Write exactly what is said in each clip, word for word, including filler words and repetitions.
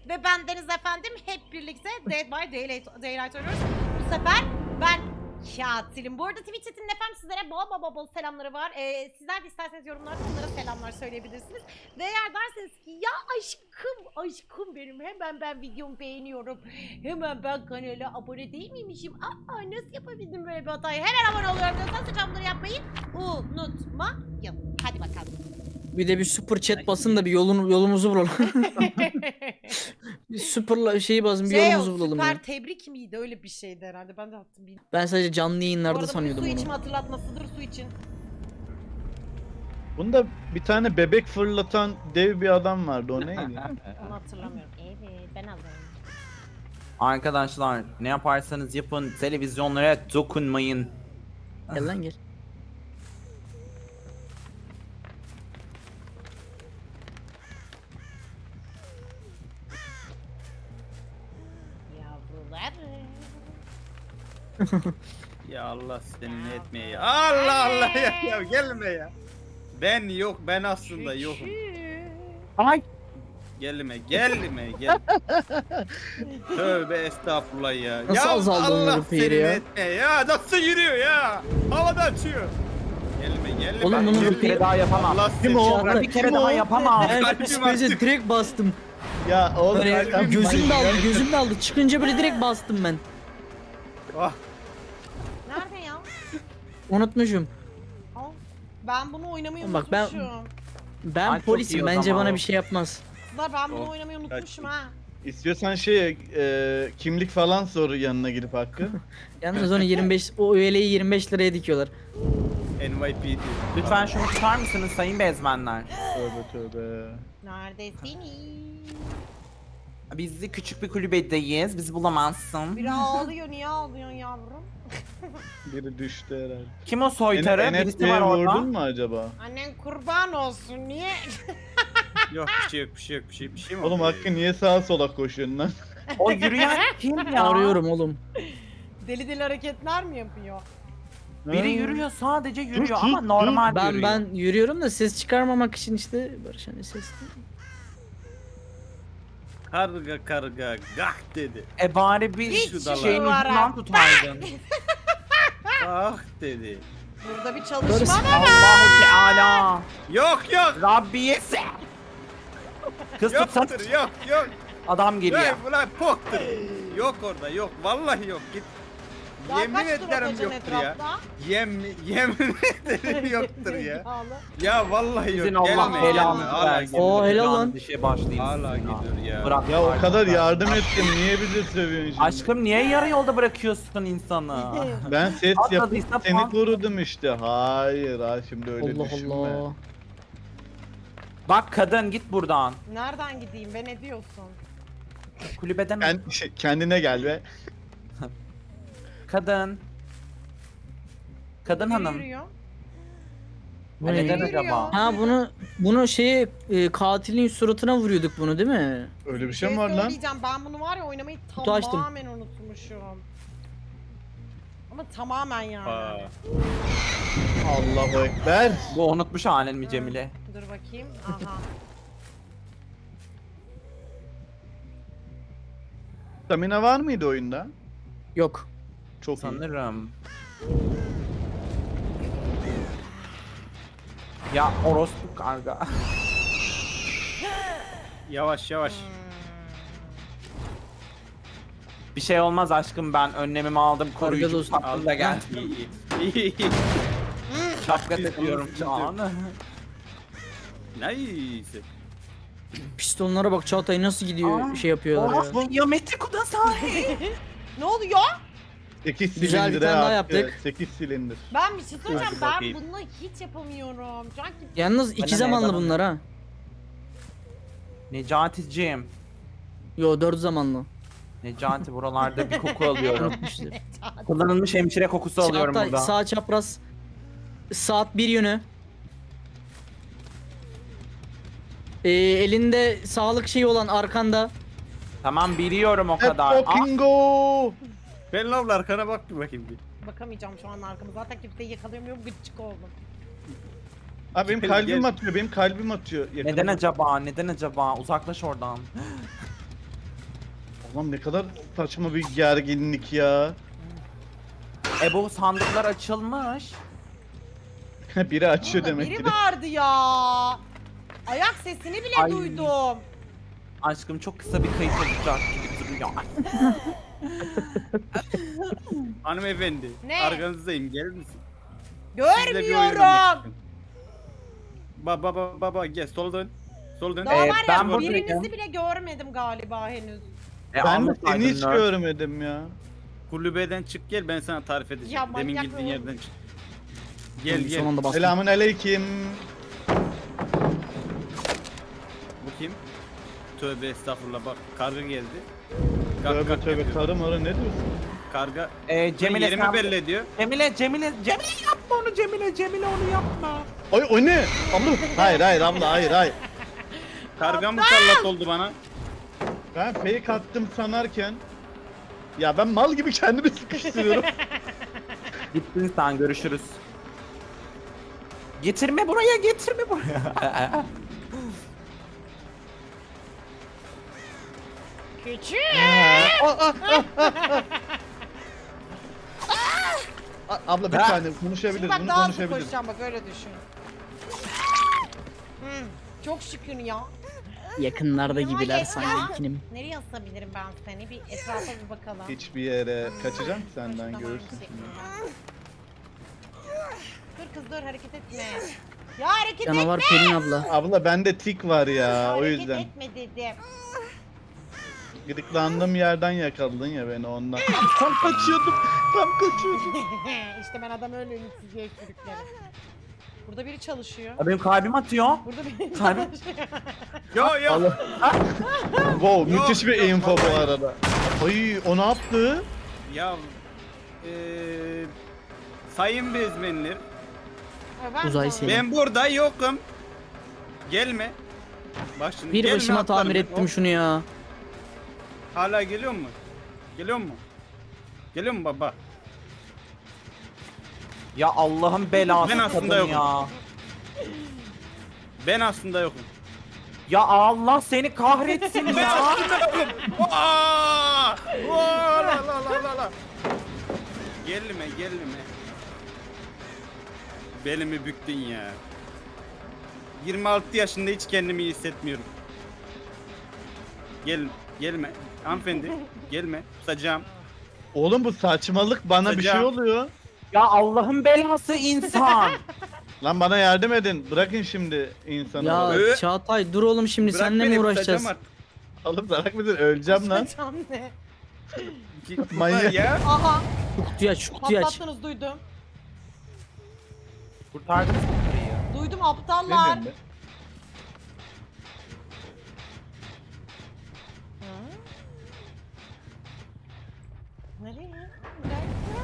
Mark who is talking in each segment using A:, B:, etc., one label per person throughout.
A: ve ben Deniz efendim hep birlikte Dead by Daylight, Daylight oynuyoruz. Bu sefer ben katilim. Bu arada Twitch chatinin efendim sizlere bol bol bol bol selamları var. Ee, sizler de isterseniz yorumlarda onlara selamlar söyleyebilirsiniz. Ve eğer derseniz ki ya aşkım aşkım benim hemen ben videomu beğeniyorum. Hemen ben kanala abone değil miymişim? Aa nasıl yapabildim böyle bir hatayı? Hemen abone oluyorum diyorsanız lütfen bunları yapmayı unutmayın. Hadi bakalım.
B: Bir de bir super chat basın da bir yolun yolumuzu bulalım. Bir süper şeyi basın bir
A: Şey o
B: yolumuzu bulalım
A: süper
B: ya.
A: tebrik miydi? Öyle bir şeydi herhalde. Ben de attım. Bir...
B: Ben sadece canlı
A: Bu
B: yayınlarda
A: arada
B: sanıyordum
A: su
B: onu.
A: içme hatırlatmasıdır su için.
C: Bunda bir tane bebek fırlatan dev bir adam vardı. O neydi?
A: Onu hatırlamıyorum. Evet ben alırım.
D: Arkadaşlar ne yaparsanız yapın televizyonlara dokunmayın.
B: Gel lan gel.
A: Yavrular.
E: Ya Allah seni ne etmeye ya. Allah Allah ya, ya gelme ya. Ben yok ben aslında yokum.
D: Ay.
E: Gelme gelme gel. Tövbe estağfurullah ya.
B: Nasıl
E: ya
B: azaldı
E: Allah
B: onların
E: seni
B: peyri ya?
E: ne etmeye ya. Nasıl yürüyor ya. Havada açıyor. Gelme gelme.
B: Oğlum bunun
E: Gelme.
D: Bir kere daha yapamam.
E: Allah
C: Kim
E: seni.
C: o?
D: Ben bir kere
C: Kim
D: daha
C: o?
D: yapamam.
B: Ben
E: Kalbim
B: psikolojiye
E: artık.
B: direkt bastım.
C: Ya oğlum
B: Böyle
C: Erkan,
B: gözüm de
C: manyak.
B: aldı gözüm de aldı. Çıkınca böyle direkt bastım ben.
E: Ah,
A: Nerede ya?
B: Unutmuşum.
A: Aa, ben bunu oynamayı
B: Bak ben-
A: unutmuşum.
B: Ben
D: Ay, çok iyi
B: polisim
D: o
B: bence
D: zaman
B: bana
D: o.
B: bir şey yapmaz.
A: Kızlar ben bunu
E: Oh.
A: oynamayı unutmuşum ha.
C: İstiyorsan şey e, kimlik falan sor yanına girip Hakkı.
B: Yalnız onu yirmi beş o üyeliği yirmi beş liraya dikiyorlar.
E: N Y P D.
D: Lütfen şunu tutar mısınız sayın bezmenler?
C: Tövbe tövbe.
A: Neredesiniz?
D: Biz de küçük bir kulübedeyiz. Bizi bulamazsın.
A: Biri ağlıyor niye ağlıyorsun yavrum?
C: Biri düştü herhalde.
D: Kim o soytarı?
C: N-
D: Birisi
C: NFT'ye
D: var orada.
C: vurdun mu acaba?
A: Annen kurban olsun niye?
E: Yok bir şey yok bir şey yok bir şey bir şey mi
C: Oğlum
E: oluyor?
C: Hakkı niye sağa sola koşuyorsun lan?
D: O yürüyen kim ya?
B: Arıyorum oğlum.
A: Deli deli hareketler mi yapıyor?
D: Biri
C: Ha.
D: yürüyor sadece
C: Dur,
D: yürüyor
C: dur,
D: ama
C: dur.
D: normal
B: Ben
D: yürüyor.
B: ben yürüyorum da ses çıkarmamak için işte Barış hani ses.
E: Karga karga gah dedi.
D: E bari bir
A: Hiç
D: şeyin
A: duvara.
D: ucundan tutaydın.
E: Gah dedi.
A: Burada bir
B: Barış-
A: çalışma var.
D: Allahu Teala.
E: Yok yok.
D: Rabbiyesi. Kız tutsana.
E: Yoktur yok yok.
D: Adam geliyor.
E: Yok ulan poktur. Yok orada yok vallahi yok git.
A: Daha
E: Yemin
A: kaç tur
E: ederim
A: atacaksın
E: yoktur ya.
A: etrafta?
E: Yem, yemin ederim yoktur ya.
A: Zekalı.
E: Ya vallahi yok.
D: Sizin Allah
E: Gelme,
D: belanı
E: gelme. Hala
D: versin.
E: gidiyor.
B: Oo, helal
D: Şu an
B: lan.
D: Dişe başlayayım.
E: Hala
D: sizin
E: gidiyor ya.
D: Bırak.
C: Ya o
D: artık
C: kadar
D: ben.
C: yardım ettim. Niye bizi sövüyorsun şimdi?
D: Aşkım niye yarı yolda bırakıyorsun insanı?
C: Ben ses
D: Atladıysa
C: yapıp seni
D: puan-
C: korudum işte. Hayır ha şimdi öyle
B: Allah
C: düşünme.
B: Allah.
D: Bak kadın git buradan.
A: Nereden gideyim be ne diyorsun?
D: Kulübeden
C: Kend- şey, kendine gel be.
D: kadın. Kadın
A: Biri
D: hanım.
A: yürüyor.
B: Bu
D: Ha,
B: ne?
D: neden
A: Yürüyor.
D: acaba?
B: Ha bunu bunu şeye e, katilin suratına vuruyorduk bunu değil mi?
C: Öyle bir şey mi var lan?
A: söyleyeceğim, ben bunu var ya oynamayı
B: Kutu açtım.
A: tamamen unutmuşum. Ama tamamen yani.
E: Aa,
C: Allahu Ekber.
D: Bu unutmuş halen mi Cemile?
A: Dur bakayım. Aha.
C: Stamina var mıydı oyunda?
B: Yok.
C: Çok iyi.
D: Sanırım. Ya orospu karga.
E: yavaş yavaş.
A: Hmm.
D: Bir şey olmaz aşkım ben önlemimi aldım koruyucu
B: dostum.
D: tatlım da geldi.
E: İyi iyi. iyi.
D: Şapka takıyorum şu an.
E: Nice.
B: Pistonlara bak Çağatay nasıl gidiyor
D: Aa,
B: şey yapıyorlar ya.
D: Orospu Yametti Kudasai.
A: Ne oluyor?
C: sekiz
B: Güzel bir
C: silindire
B: tane daha
C: attı.
B: yaptık.
C: sekiz silindir.
A: Ben bir şey söyleyeceğim.
E: Hadi
A: Ben
E: bakayım.
A: bunu hiç yapamıyorum. Sanki
B: Yalnız iki
D: Bana ne,
B: zamanlı
D: bana ne?
B: bunlar ha.
D: Necati'cim.
B: Yo dört zamanlı.
D: Necati buralarda bir koku alıyorum.
B: İşte.
D: Kullanılmış hemşire kokusu alıyorum
B: Çağatay
D: burada.
B: sağ çapraz. Saat bir yönü. Ee, elinde sağlık şeyi olan arkanda.
D: Tamam biliyorum o
C: Let's
D: kadar. Aa,
C: fucking go.
E: Ben lavla arkana bak bir bakayım bir.
A: bakamayacağım şu an arkamı. Zaten kimseyi yakalayamıyorum. Gıcık oldum.
C: Abi benim
E: Gel,
C: kalbim
E: gel.
C: atıyor. Benim kalbim atıyor.
D: neden
C: Yakaladım.
D: acaba? Neden acaba? Uzaklaş oradan.
C: Lan ne kadar saçma bir gerginlik ya.
D: E bu sandıklar açılmış.
C: Biri açıyor
A: Burada
C: demek
A: biri
C: ki de.
A: vardı ya. Ayak sesini bile
D: Ay.
A: duydum.
D: Aşkım çok kısa bir kayıt olacak gibi duruyor.
E: Hanımefendi.
A: Ne?
E: Arkanızdayım, gelir misin? Sizle bir oyun oynamak
A: Görmüyorum.
E: istiyorum. Baba baba baba gel sola dön. Sola dön.
A: Daha
D: Ee,
A: var ya
D: ben buradayım.
A: birinizi bile görmedim galiba henüz.
D: E,
C: Ben de
D: anlatsaydın
C: seni hiç
D: Nerd.
C: görmedim ya.
E: Kulübeden çık gel, ben sana tarif edeceğim.
A: Ya
E: Demin
A: manyak
E: gittiğin
A: mı?
E: yerden çık. Gel
B: Son
E: gel.
B: anda bastım.
C: Selamun aleyküm.
E: Bu kim? Tövbe estağfurullah, bak karga geldi. Kalk,
C: Tövbe
E: kalk
C: tövbe
E: yapıyor.
C: karı marı ne diyorsun?
E: Karga
D: E, Cemile
E: yerimi
D: sen...
E: belli ediyor.
D: Cemile, Cemile, Cemile yapma onu Cemile, Cemile onu yapma.
C: Ay o ne? Abla. Hayır hayır abla hayır hayır.
E: Karga mı sallat oldu bana?
C: Ben fake attım sanarken. Ya ben mal gibi kendimi sıkıştırıyorum.
D: Gittin sen, görüşürüz. Getirme buraya, getirme buraya.
A: Küçük.
C: A- Abla bir
D: Ha.
C: saniye
A: Şimdi
C: konuşabiliriz.
A: bak
C: Bunu
A: daha hızlı
C: konuşabiliriz.
A: koşacağım bak öyle düşün. Hmm, çok şükür ya.
B: Yakınlarda
A: Yanıma
B: gibiler
A: geç
B: sanki
A: ya.
B: ikinim.
A: Nereye asabilirim ben seni? Bir etrafa bir bakalım.
C: Hiçbir yere kaçacağım senden
A: Şuradan
C: görürsün
A: aynı
C: şimdi.
A: şekilde. Dur kız dur hareket etme. Ya hareket
B: Canavar
A: etme.
B: Pelin abla.
C: Abla bende tik var ya o
A: Hareket
C: yüzden.
A: etme dedim.
C: Gıdıklandığım yerden yakaladın ya beni ondan. Tam kaçıyordum. Tam kaçıyordum.
A: işte ben adam öyle ümitsizliğe sürüklerim. Burada biri çalışıyor.
D: Ya benim kalbim atıyor.
A: Burada biri
D: Kalbim-
A: çalışıyor.
E: Yo yo.
C: Allah. Wow
E: Yok,
C: müthiş bir
E: yok,
C: info bu
E: vallahi.
C: arada. Ay o ne yaptı?
E: Ya eee sayın bezmenler,
A: Ha, ben
B: Uzay
A: sonra-
B: seni.
E: ben burada yokum. Gelme. Bak şimdi
B: Bir
E: gelme,
B: başıma
E: atlarım
B: tamir
E: ben.
B: ettim
E: Hop.
B: şunu ya.
E: Hala geliyor mu? Geliyor mu? Geliyor mu baba?
D: Ya Allah'ın belası
E: Ben aslında
D: kadın
E: yokum.
D: ya.
E: Ben aslında yokum.
D: Ya Allah seni kahretsin
E: Ben
D: ya.
E: aslında yokum. Aa! Aa, la la la la la. Gelme gelme. Belimi büktün ya. yirmi altı yaşında hiç kendimi iyi hissetmiyorum. Gel, gelme. Hanımefendi, gelme. Tutacağım.
C: Oğlum bu saçmalık bana bir şey
E: Hocam.
C: oluyor.
D: Ya Allah'ın belası insan.
C: Lan bana yardım edin. Bırakın şimdi insanı.
B: Ya
C: bana.
E: Ee?
B: Çağatay dur oğlum şimdi
E: Bırak
B: seninle
E: beni,
B: mi
E: tutacağım
B: uğraşacağız?
E: artık.
C: Oğlum bırak mısın? Öleceğim lan.
A: Can ne?
E: Ki-
C: Manyak.
E: Ya.
A: Aha
B: Şu kutuyu aç şu kutuyu aç.
A: patlattınız duydum.
D: Kurtardınız mı burayı?
A: Duydum
C: Ne
A: aptallar.
C: diyorsun be?
A: Hı? Nereye? Nereye?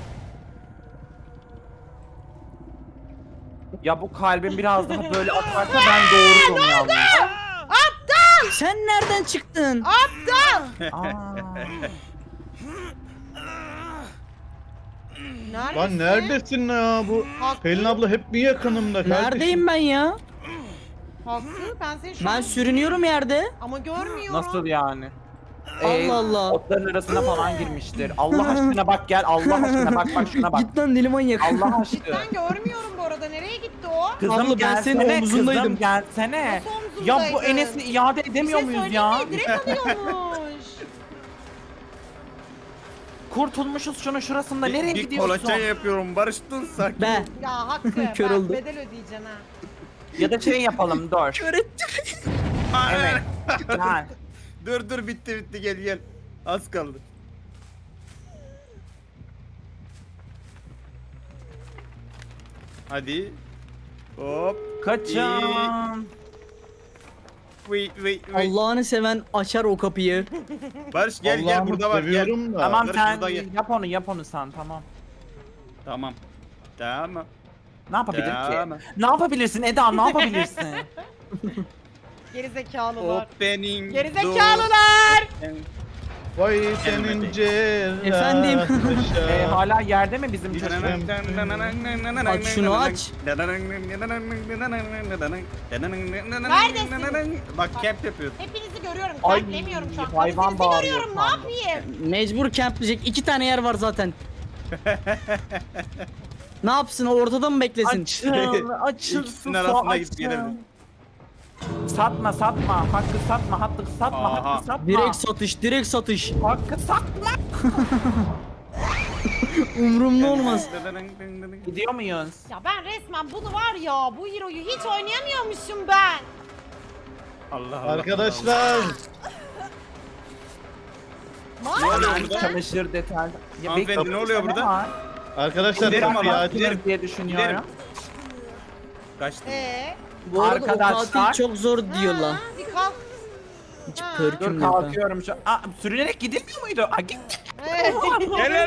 D: Ya bu kalbim biraz daha böyle atarsa ben doğururum yalnız.
B: Sen nereden çıktın?
A: Aptal!
D: Aa.
A: Neredesin?
C: Lan neredesin ya bu?
A: Hakkı,
C: Pelin abla hep mi yakınımda kardeşim?
B: Neredeyim ben ya?
A: Hakkı ben seni şu
B: Ben
A: an...
B: sürünüyorum yerde.
A: Ama görmüyorum.
D: Nasıl yani? Ee,
B: Allah Allah.
D: Otların arasına falan girmiştir. Allah aşkına bak gel. Allah aşkına bak bak şuna bak.
B: Git lan deli manyak.
D: Allah aşkına.
A: Ben görmüyorum bu arada. Nereye gitti o?
D: Kızım
B: Abla, ben senin
D: gelsene,
B: omzundaydım.
D: Kızım gelsene.
A: Nasıl
D: Ya
A: omzundaydın?
D: bu Enes'i iade edemiyor
A: Bir şey
D: muyuz ya?
A: söyleyeyim mi? Direkt alıyormuş.
D: Kurtulmuşuz şunun şurasında. Nereye
E: bir
D: gidiyorsun?
E: kolaçan yapıyorum. Barıştın sakin.
B: Be.
A: Ya Hakkı
B: Kör
A: bak
B: oldu.
A: bedel ödeyeceksin ha.
D: Ya da şey yapalım dur.
B: Kör ettim.
D: Evet. Gel.
E: Dur dur bitti bitti gel gel. Az kaldı. Hadi. Hop.
D: Kaçın.
E: Wait wait wait.
B: Allah'ını seven açar o kapıyı.
E: Barış gel gel
C: Allah'ımı
E: burada var gel.
C: seviyorum da.
D: Tamam
E: Barış
D: sen
E: burada gel.
D: yap onu yap onu sen tamam.
E: Tamam. Tamam.
D: Ne yapabilir
E: Tamam.
D: ki? Ne yapabilirsin Eda ne yapabilirsin?
A: Gerizekalılar.
E: Opening.
A: Gerizekalılar.
E: door.
C: Vay senin
E: Gelmedi.
C: cerrah.
B: Efendim?
D: Ee, hala yerde mi bizim çocuk?
B: Aç şunu aç.
A: Neredesin?
E: Bak camp yapıyor.
A: Hepinizi görüyorum.
D: Ay,
A: Templemiyorum şu an.
D: hayvan
A: Hepinizi
D: bağırıyor
A: görüyorum. Ne
D: şu anda.
A: yapayım?
B: Mecbur campleyecek. İki tane yer var zaten. Ne yapsın? Ortada mı beklesin?
D: Açıl, açıl,
E: İkisinin
D: su,
E: arasında
D: açıl.
E: gidip gelelim.
D: Satma, satma. Hakkı satma, hakkı satma,
E: Aha.
D: hakkı satma.
B: Direkt satış, direkt satış.
D: Hakkı satma.
B: Umurumda olmaz.
D: Gidiyor muyuz?
A: Ya ben resmen bunu var ya, bu hero'yu hiç oynayamıyormuşum ben.
E: Allah Allah.
C: Arkadaşlar.
E: Ne oluyor
A: Maalesef.
E: burada?
D: Çamaşır deterjan. Ya
E: Hanımefendi,
D: bekle,
E: ne oluyor
D: ne
E: burada?
D: var?
C: Arkadaşlar
E: Giderim
C: kapıyı
E: ama,
C: acil.
E: giderim.
D: diye düşünüyorum.
E: Kaçtı.
A: Ee,
B: Bu arada o
D: Arkadaşlar.
B: katil çok zor diyorlar.
A: ha, bir kalk.
B: Hiç
A: Ha.
D: Dur
B: pörküm yok. ha.
D: kalkıyorum şu. Aa, sürünerek gidilmiyor muydu? Aa, gitti.
A: Evet.
E: Gel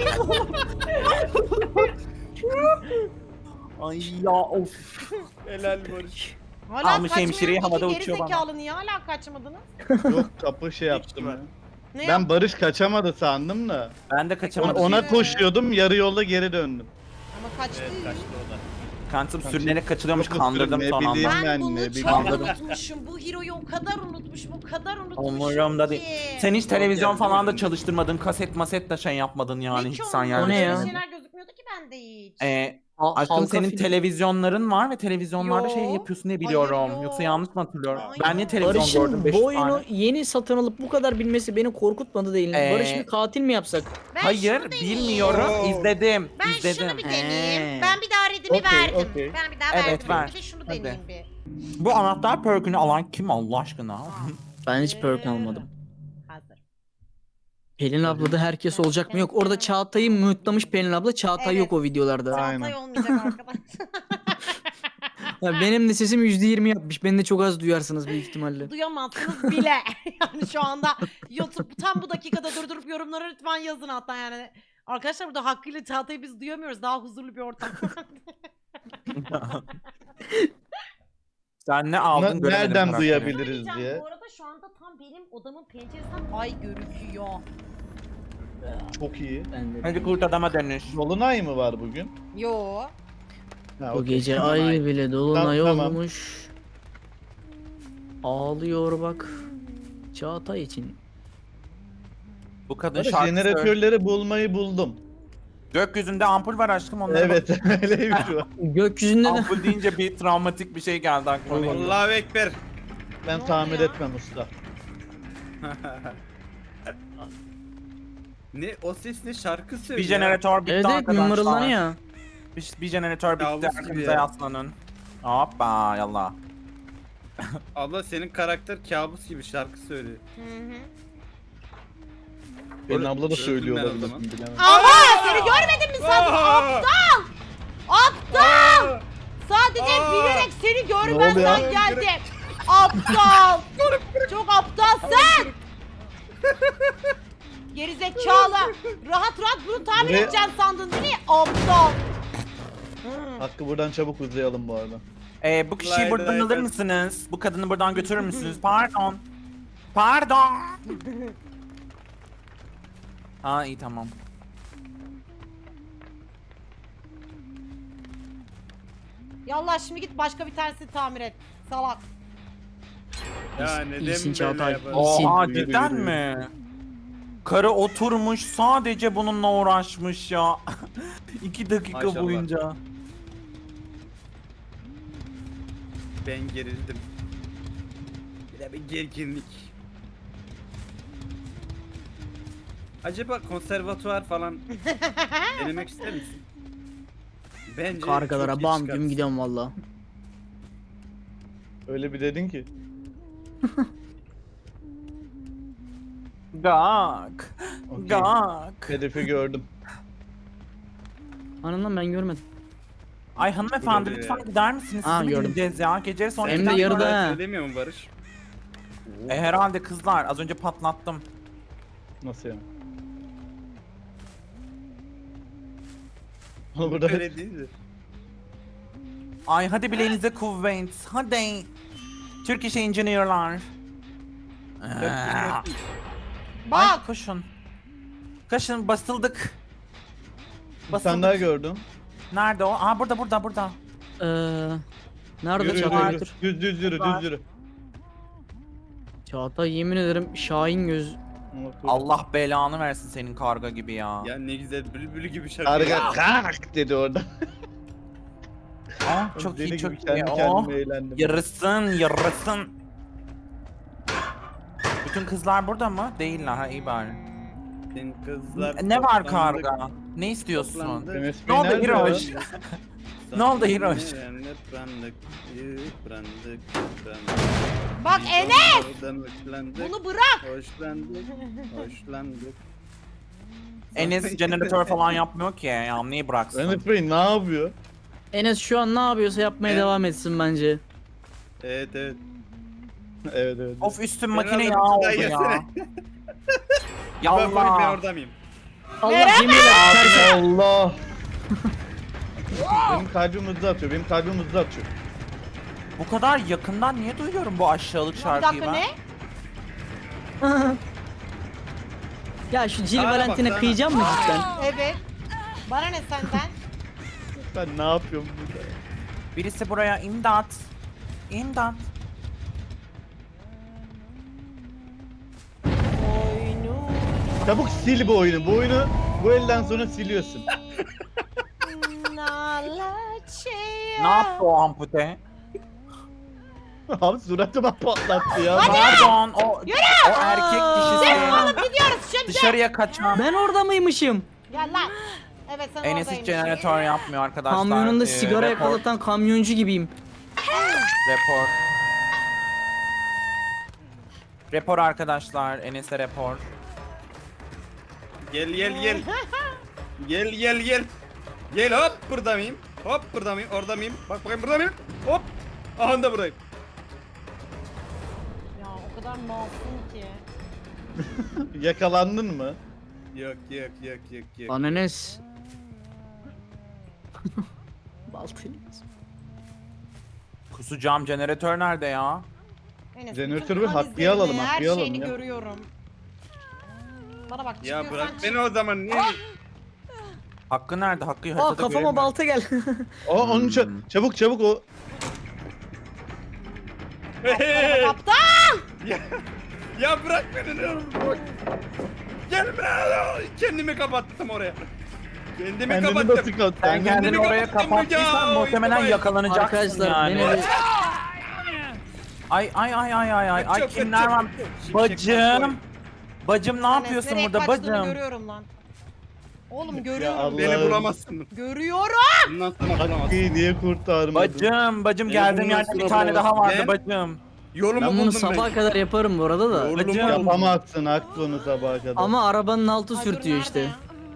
D: Ay ya of.
E: Helal Barış.
A: Hala
D: Almış hemşireyi
A: kaçmayan
D: havada
A: iki
D: uçuyor bana.
A: gerizekalı niye hala kaçmadınız?
C: Yok kapı şey yaptım.
E: var.
C: ya.
A: Ne
C: Ben Barış kaçamadı sandım da.
D: Ben de
C: Ona,
D: kaçamadım.
C: ona koşuyordum yarı yolda geri döndüm.
A: Ama kaçtı.
E: Evet kaçtı o da.
D: Kandım sürünerek kaçılıyormuş,
C: Çok
D: kandırdım
C: ne
D: son anda.
C: bileyim.
A: Ben
C: Ben
A: bunu
C: ne
A: çok
C: bileyim.
A: unutmuşum. Bu hero'yu o kadar unutmuşum, o kadar unutmuşum
D: Umurumda değil.
A: ki.
D: Sen hiç televizyon
E: geldi,
D: falan da
E: umurumda.
D: çalıştırmadın, kaset maset de şey yapmadın yani
A: Ne
D: hiç
A: ki
D: sen
A: onun?
D: yani.
B: O ne ya?
A: Öyle şeyler gözükmüyordu ki bende hiç.
D: Ee,
B: Ha-
D: aşkım
B: halka
D: senin
B: film.
D: televizyonların var ve televizyonlarda şey
A: Yo.
D: yapıyorsun diye
A: Hayır,
D: biliyorum.
A: yo.
D: Yoksa yanlış mı hatırlıyorum?
A: Hayır.
D: Ben niye televizyon gördüm
B: Barış'ın
D: beş
B: bu
D: tane?
B: oyunu yeni satın alıp bu kadar bilmesi beni korkutmadı değil.
D: Ee,
B: Barış bir katil mi yapsak?
A: Ben
D: Hayır,
A: şunu deneyeyim.
D: bilmiyorum.
E: Oo.
D: İzledim.
A: Ben
D: izledim.
A: şunu bir deneyeyim.
B: Ee.
A: Ben bir daha redimi
C: Okey,
A: verdim.
C: okey.
A: Ben bir daha
D: Evet,
A: verdim.
D: ver.
A: Bir de şunu
D: Hadi.
A: deneyeyim bir.
D: Bu anahtar perkünü alan kim Allah aşkına?
B: Ben hiç perk almadım.
A: Hazır.
B: Pelin ablada herkes olacak mı? Yok. Orada Çağatay'ı mutlamış Pelin abla. Çağatay
A: Evet.
B: yok o videolarda.
C: Aynen.
A: Çağatay olmayacak arkadaş.
B: Ya benim de sesim yüzde yirmi yapmış. Beni de çok az duyarsınız büyük ihtimalle.
A: Duyamazsınız bile. Yani şu anda YouTube tam bu dakikada durdurup yorumlara lütfen yazın hatta yani. Arkadaşlar burada hakkıyla Çağatay'ı biz duyamıyoruz. Daha huzurlu bir ortam.
D: Sen ne aldın
C: Na-
D: göremedim
C: nereden
D: karakteri.
C: duyabiliriz
A: Söyleyeceğim,
C: diye.
A: Bu arada şu anda tam benim odamın penceresinden ay görüküyor.
C: Çok iyi.
B: Ben de.
D: Hadi kurt adama dönüş.
C: Dolunay mı var bugün?
A: Yo.
C: Ha,
B: Bu
C: okey.
B: gece
E: Tamam,
B: ay
E: ay.
B: bile dolunay
C: Tamam, tamam.
B: olmuş. Ağlıyor bak. Çağatay için.
D: Bu kadın
C: Barış,
D: şarkı söylüyor.
C: jeneratörleri bulmayı buldum.
D: Gökyüzünde ampul var aşkım onlara
C: Evet öyleymiş o.
B: Gökyüzünde
D: bak.
B: de
D: Ampul deyince bir travmatik bir şey geldi aklıma.
E: Allahu Ekber.
C: Ben
A: Ne
C: tamir
A: oluyor?
C: etmem usta.
E: Ne o ses ne şarkı
D: Bir
E: söylüyor.
D: jeneratör bitti
B: evet evet
D: arkadaşlar.
B: numaralanıyor.
D: Bir, bir jeneratör bitti
E: Kabus gibi
D: arkamıza
E: ya.
D: yaslanın. Hoppa yallah.
E: Abla senin karakter kabus gibi şarkı söylüyor.
A: Hı hı.
C: Benim abla da
E: Öldüm
C: söylüyor
E: ben o
C: olabilir,
E: zaman.
C: bilemem.
A: Aha seni görmedin mi sen?
E: Aa!
A: Aptal! Sadece
E: Aa!
A: bilerek seni
C: Ne
A: görmezden
C: oluyor?
A: geldim. Aptal! Çok aptalsın! Gerizekalı! Rahat rahat bunu tamir
C: Buraya-
A: edeceksin sandın değil mi? Aptal! Hmm.
C: Hakkı buradan çabuk uzayalım bu arada.
D: Ee, bu kişiyi
E: Lay
D: buradan
E: lay
D: alır
E: lay.
D: mısınız? Bu kadını buradan götürür müsünüz? Pardon. Pardon. Aa iyi tamam.
A: Yallah şimdi git başka bir tanesini tamir et. Salak.
E: Ya
B: İyisin
E: neden böyle
B: Çağatay.
E: yapar?
B: İyisin.
D: Oha
C: Yürü,
D: cidden
C: yürü,
D: mi? Karı oturmuş sadece bununla uğraşmış ya. İki dakika
E: Maşallah.
D: boyunca.
E: Ben gerildim. Bir de bir gerginlik. Acaba konservatuvar falan denemek ister misin? Bence
B: Kargalara
E: çok iyi
B: bam
E: çıkar.
B: güm gidiyorum valla.
C: Öyle bir dedin ki.
D: Gak.
C: Okey.
D: Gak.
C: Hedefi gördüm.
B: Anından ben görmedim.
D: Ay hanımefendi
E: Burada
D: lütfen
E: ya.
D: gider misiniz?
B: Aa,
D: Siz mi
B: gördüm.
D: gideceğiz ya? Gece sonra
B: Hem de
D: giden
B: yarıda
D: sonra-
B: ha.
E: Söylemiyor mu Barış?
D: E, herhalde kızlar az önce patlattım.
C: Nasıl yani? Onu burada
E: Öyle değildir.
D: Ay hadi bileğinize kuvvet. Hadi. Türk iş engineer'lar. Aa,
A: Bak.
D: Ay koşun. Koşun basıldık.
C: Bir tane daha gördüm.
D: Nerede o? Aa burada burada burada.
B: Ee, nerede
C: Yürü yürü
B: Çağatay?
C: yürü. Düz düz yürü
D: Var.
C: düz yürü.
B: Çağatay yemin ederim Şahin göz.
D: Allah belanı versin senin karga gibi ya.
E: Ya ne güzel bülbül gibi şarkı.
C: Karga kalk dedi orada.
D: Aa, çok
C: Deli
D: iyi çok
C: gibi
D: iyi.
C: kendi
D: Oh.
C: kendime eğlendim.
D: Yarısın yarısın. Bütün kızlar burada mı? Değiller ha iyi bari.
E: Senin kızlar
D: Ne var
E: toplandı,
D: karga? Ne istiyorsun?
E: toplandı.
C: Enes
D: Ne
C: Bey
D: oldu
C: nerede
D: Hiroş?
C: ya?
D: Ne oldu Hiroş?
E: Yıprandık, yıprandık, yıprandık.
A: Bak
E: Biz
A: Enes.
E: onlardan hoşlandık,
A: Bunu bırak.
E: hoşlandık, hoşlandık.
D: Enes jeneratör falan yapmıyor ki ya niye bıraksın?
C: Enes Bey ne yapıyor?
B: Enes şu an ne yapıyorsa yapmaya
E: Evet.
B: devam etsin bence.
E: Evet evet.
C: Evet evet.
D: Of üstüm
E: Ben
D: makine
E: alırım,
D: yağ oldu
E: daha
D: ya.
E: yesene. Ben varım, ben
D: Yallah.
E: orada mıyım?
B: Allah yemin ederim.
C: Allah. Benim kalbim hızlı atıyor. Benim kalbim hızlı atıyor.
D: Bu kadar yakından niye duyuyorum bu aşağılık
A: Bir
D: şarkıyı
A: dakika
D: ben?
A: ne?
B: Ya şu Jill
E: Sana bak,
B: Valentine'e
E: sana.
B: kıyacağım mı cidden?
A: Evet. Bana ne senden?
C: Ben ne yapıyorum burada?
D: Birisi buraya imdat. İmdat.
A: Oyunu.
C: Çabuk sil bu oyunu. Bu oyunu bu elden sonra siliyorsun.
A: Nalaçeya.
D: Ne yaptı o ampute?
C: Abi suratıma patlattı ya.
D: Pardon o, o erkek dişisi.
A: Oğlum gidiyoruz şimdi.
D: Dışarıya kaçan.
B: Ben orada mıymışım?
A: Gel lan. Evet sen
D: Enes hiç
A: oradaymışsın.
D: jeneratör yapmıyor arkadaşlar.
B: Kamyonunda
D: Ee,
B: sigara
D: report,
B: yakalatan kamyoncu gibiyim.
D: Report. Report arkadaşlar. Enes'e report.
E: Gel gel gel. Gel gel gel. Gel hop burada mıyım? Hop burada mıyım? Orada mıyım? Bak bakayım burada mıyım? Hop. Aha da buradayım.
A: Ya o kadar masum ki.
C: Yakalandın mı?
E: Yok yok yok yok yok.
B: Lan Enes. Baltayı.
D: Kusacağım jeneratör nerede ya?
A: Enes,
C: Jeneratörü
A: bütün
C: bir Hakkı'ya
A: analizlerini,
C: alalım,
A: Her
C: Hakkı'ya alalım
A: şeyini
C: ya.
A: görüyorum. Bana bak
E: Ya
A: çıkıyorsan
E: bırak
A: çık.
E: beni o zaman niye?
D: Hakkı nerede? Hakkı'yı
B: Aa
D: haritada
B: kafama
D: göremiyorum.
B: balta gel.
C: O onun ça-
D: Hmm.
C: çabuk çabuk o.
A: Bana kaptan.
E: ya, ya bırak beni ne olur. bırak. Gelme. Kendimi kapattım oraya. Kendimi
C: Kendini
E: kapattım.
C: nasıl kat?
D: Sen
C: Kendini
D: kendini
E: Kendimi
D: oraya
E: kapattım
D: kapattıysan
E: ya,
D: muhtemelen
E: oy,
D: yakalanacaksın
B: Arkadaşlar
D: yani.
B: beni bir...
D: Ay ay ay ay ay ay ay
E: Çok,
D: kimler
E: çok,
D: var?
E: çok.
D: Bacım. Bacım ne
A: Enes,
D: yapıyorsun
A: nereye
D: burada
A: kaçtığını
D: bacım?
A: Görüyorum lan. Oğlum
C: Ya
A: görüyorum.
C: Allah.
E: Beni bulamazsın.
A: Görüyorum.
E: Bundan sonra bulamazsın.
C: Hakkı'yı niye kurtarmadın?
D: Bacım bacım
E: Beni
D: geldiğim
E: bundan
D: yerde bir
E: sonra
D: tane daha vardı
E: Ben-
D: bacım.
E: Yolumu
B: Ben bunu
E: buldum
B: sabaha kadar yaparım bu arada da.
E: Yolumu
D: Bacım.
E: buldum.
C: Yapamazsın aklını sabaha kadar.
B: Ama arabanın altı
A: Ay, dur,
B: sürtüyor
A: nerede
B: işte.
A: ya?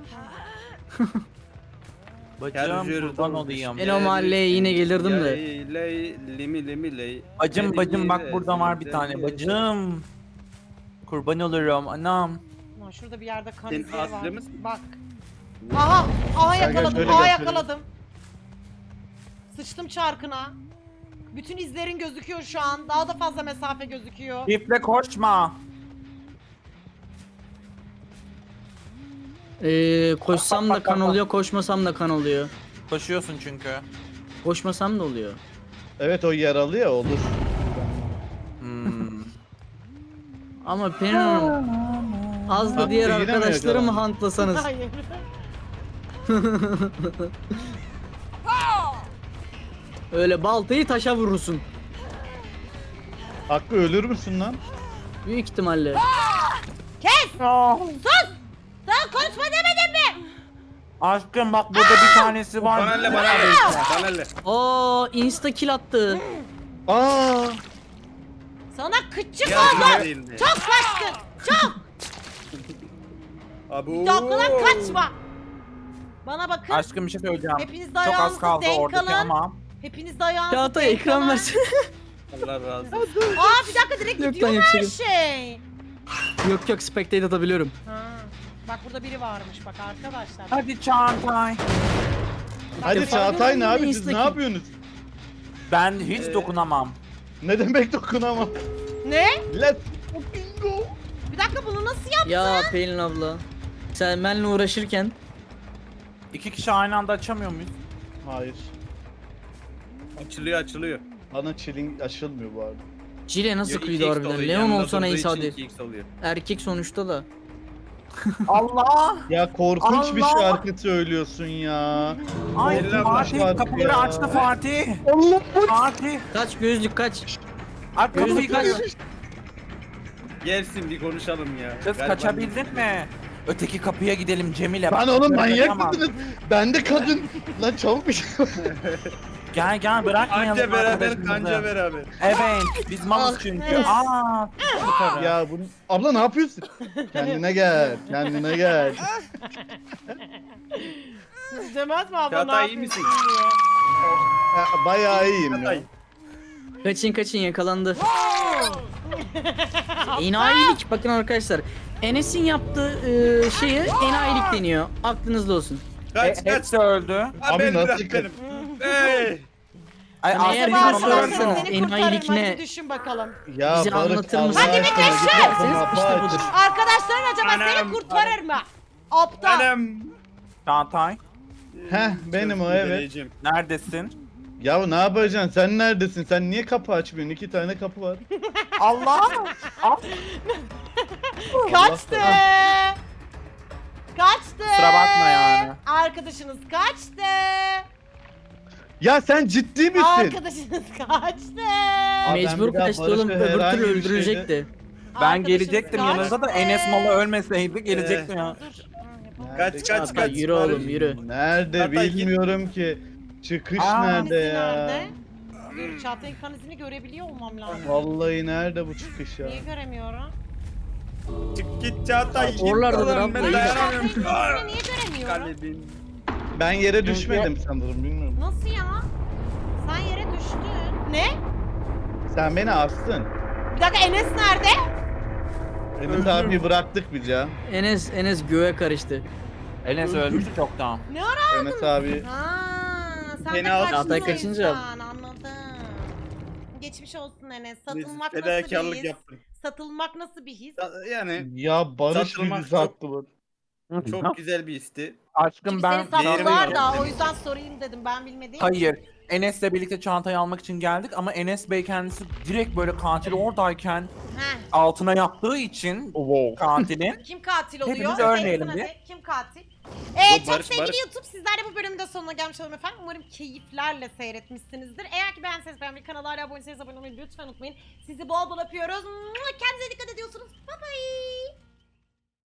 D: Bacım
E: Gel,
D: kurban
E: yürü,
D: olayım.
B: El o mahalleye yine gelirdim de.
E: Ley, ley, limi limi ley.
D: Bacım
E: Ley,
D: bacım bak
E: ley,
D: burada var bir
E: ley,
D: tane
E: ley.
D: bacım. Kurban olurum anam.
A: Lan şurada bir yerde kan
E: Senin
A: izleri var.
E: aslı mısın?
A: Bak. Aha. Aha
C: Gel, gel,
A: yakaladım.
C: şöyle
A: Aha
C: gel, şöyle.
A: yakaladım. Sıçtım çarkına. Bütün izlerin gözüküyor şu an. Daha da fazla mesafe gözüküyor.
D: Çiftle koşma.
B: Ee, koşsam
D: Bak,
B: da
D: bak,
B: kan
D: bak,
B: oluyor, koşmasam da kan oluyor.
D: Koşuyorsun çünkü.
B: Koşmasam da oluyor.
C: Evet o yaralı ya olur.
D: Hmm.
B: Ama Pelin Hanım az da
C: Hakkı
B: diğer
C: yine mi
B: arkadaşları mı
C: yakalandın?
B: hantlasanız?
A: Hayır.
B: Öyle baltayı taşa vurursun.
C: Hakkı ölür müsün lan?
B: Büyük ihtimalle.
A: Kes! Sus! Sen konuşma demedim mi?
D: Aşkım bak burada bir tanesi var.
E: Banalle banalle. Banalle.
B: Aa insta kill attı.
C: Aa!
A: Sana kıççık
E: Ya,
A: oldum.
E: değildi.
A: Çok kaçtın. Çok.
E: Abu.
A: Bir daha o kadar kaçma. Bana bakın.
D: Aşkım bir şey söyleyeceğim.
A: Hepiniz de
D: Çok az
A: ayağınızı
D: kaldı
A: denk
D: oradaki
A: alın.
D: ama.
A: Hepiniz de ayağınızı
B: Çağatay
A: denk
B: ekran
A: alın.
B: versene.
E: Allah razı olsun.
A: Aa bir dakika direkt
B: Yok lan,
A: gidiyor her
B: yapacak.
A: şey.
B: yok yok spectate atabiliyorum.
A: Ha. Bak burada biri varmış bak arkadaşlar.
D: Hadi Çağatay.
C: Hadi
B: defa
C: Çağatay ne
B: gördüm
C: abi
B: de
C: siz ne
B: Insta'ki.
C: yapıyorsunuz?
D: Ben hiç
E: Ee,
D: dokunamam.
C: Ne demek dokunamam?
A: Ne?
C: Let's fucking go.
A: Bir dakika bunu nasıl yap?
B: Ya Pelin abla. Sen benimle uğraşırken
D: İki kişi aynı anda açamıyor muyuz?
C: Hayır.
E: Açılıyor açılıyor.
C: Bana chilling açılmıyor bu arada.
B: Cile nasıl
E: Yo,
B: kıydı
E: iki x
B: harbiden?
E: oluyor,
B: Leon
E: yanında
B: olsa
E: durduğu
B: neyse
E: için
B: hadi.
E: iki x oluyor.
B: Erkek sonuçta da.
D: Allah!
C: Ya korkunç bir
D: Allah!
C: şarkı söylüyorsun ya.
D: Ay
E: Eller
D: Fatih
C: başlar
D: kapıları
C: ya.
D: açtı Fatih.
C: Allah
D: Fatih.
B: Kaç gözlük kaç.
D: Ay kapıyı
B: Gözlük
D: kaç.
B: kaç.
E: Gelsin bir konuşalım ya.
D: Kız
E: Galiba-
D: kaçabildin mi? Öteki kapıya gidelim Cemile.
C: Lan
D: Bak,
C: oğlum manyak
D: kaçamaz.
C: mısınız? Ben de kadın. Lan çabuk bir şey.
D: Gel gel bırakmayalım
E: Anca beraber
D: arkadaşımızı.
E: kanca beraber.
D: Evet biz malız
A: Ah,
D: çünkü.
A: evet.
D: Aa, yukarı.
C: Ya bunu... Abla ne yapıyorsun? Kendine gel. Kendine gel.
A: Demez mi abla
E: Çağatay,
A: ne
E: iyi
A: yapıyorsun
E: misin?
A: diye.
C: Ya, bayağı iyiyim ya.
E: Çağatay.
B: Kaçın kaçın yakalandı. Enayilik bakın arkadaşlar. Enes'in yaptığı e, şeye enayilik deniyor. Aklınızda olsun.
E: Kaç
D: E,
E: kaç.
D: hepsi öldü.
E: Ha,
C: Abi
E: beni
C: nasıl
E: bırak
C: yıkar-
E: benim. Hey.
D: Ay
B: Hani eğer
D: Aslı
B: bir
A: Acaba
B: soru
D: sorarsanız-
B: sorarsanız
A: seni
B: enayilik
A: kurtarırım,
B: ne?
A: hadi düşün bakalım.
C: Ya
B: Bize
C: Barış,
B: anlatır
C: Allah
B: mısın?
A: Hadi bir
C: aşkına,
A: düşün.
C: git
B: İşte
C: kapı aç.
B: budur.
A: Arkadaşların acaba
E: Anam,
A: seni kurtarır mı? Aptal.
E: Anam.
D: Çağatay
C: Heh, benim o, evet.
E: Deneyeceğim.
D: neredesin?
C: Ya ne yapacaksın? Sen neredesin? Sen niye kapı açmıyorsun? İki tane kapı var.
D: Allah! Ah,
A: Kaçtı. Kaçtı.
D: Kusura bakma yani.
A: Arkadaşınız kaçtı.
C: Ya sen ciddi misin?
A: Arkadaşınız kaçtı.
C: Abi ben
B: Mecbur
C: bir daha
B: kaçtı
C: Barış'ı
B: oğlum. Öbür
C: herhangi
B: türlü
C: bir şeyde-
B: öldürecekti.
D: ben
A: Arkadaşınız
D: gelecektim yanınıza da
A: kaçtı.
D: Enes Malı ölmeseydi gelecektim ya.
A: Dur.
C: Nerede?
E: Kaç kaç
B: Çağatay,
E: kaç.
B: yürü oğlum, yürü.
C: Nerede
E: Çağatay, git.
C: bilmiyorum ki. Çıkış
D: Aa,
C: nerede
A: Kanizini
C: ya?
A: nerede? Dur Çağatay'ın kanizini görebiliyor olmam lazım.
C: Vallahi nerede bu çıkış ya?
A: Niye göremiyorum?
E: Çık git Çağatay. git
B: Oralardadır
E: oğlum,
B: abla,
E: ben
B: iyi.
E: dayanamıyorum.
A: Çağatay'ın kanizini niye göremiyorum?
E: Kalbim.
C: Ben yere düşmedim sanırım, bilmiyorum.
A: Nasıl ya? Sen yere düştün. Ne?
C: Sen beni astın.
A: Bir dakika Enes nerede?
C: Enes abi bıraktık biz ya.
B: Enes Enes göğe karıştı.
D: Enes ölmüştü çoktan.
A: Ne ara?
C: Enes abi
A: Aa, sen
E: Beni
A: de
E: al-
A: kaçtın
B: Çağatay
A: o
B: kaçınca.
A: yüzden, anladım. Geçmiş olsun Enes. Satılmak nasıl
E: Fedakarlık
A: bir his?
E: yaptım.
A: Satılmak nasıl bir his?
E: Yani
C: ya Barış
E: Satılmak
C: bizi
E: çok-
C: sattı bu.
E: çok güzel bir histi.
D: Aşkım
A: Çünkü
D: ben...
A: seni
E: Değerimi
A: sattılar da
E: yaptım.
A: o yüzden sorayım dedim ben bilmediğim.
D: Hayır. Enes'le birlikte çantayı almak için geldik ama Enes Bey kendisi direkt böyle katil oradayken
A: Heh.
D: altına yaptığı için
C: Wow.
D: katilin
A: Kim katil oluyor?
D: Hepimiz
A: Seçsin
D: örneğelim
A: hadi.
D: bir.
A: Kim katil? Ee,
E: Bu
A: çok
E: Barış,
A: sevgili
E: Barış.
A: YouTube sizler de bu bölümün de sonuna gelmiş olalım efendim. Umarım keyiflerle seyretmişsinizdir. Eğer ki beğendiyseniz beğenmeyi, kanala hala abone değilseniz abone olmayı lütfen unutmayın. Sizi bol bol öpüyoruz. Kendinize dikkat ediyorsunuz. Bye bye.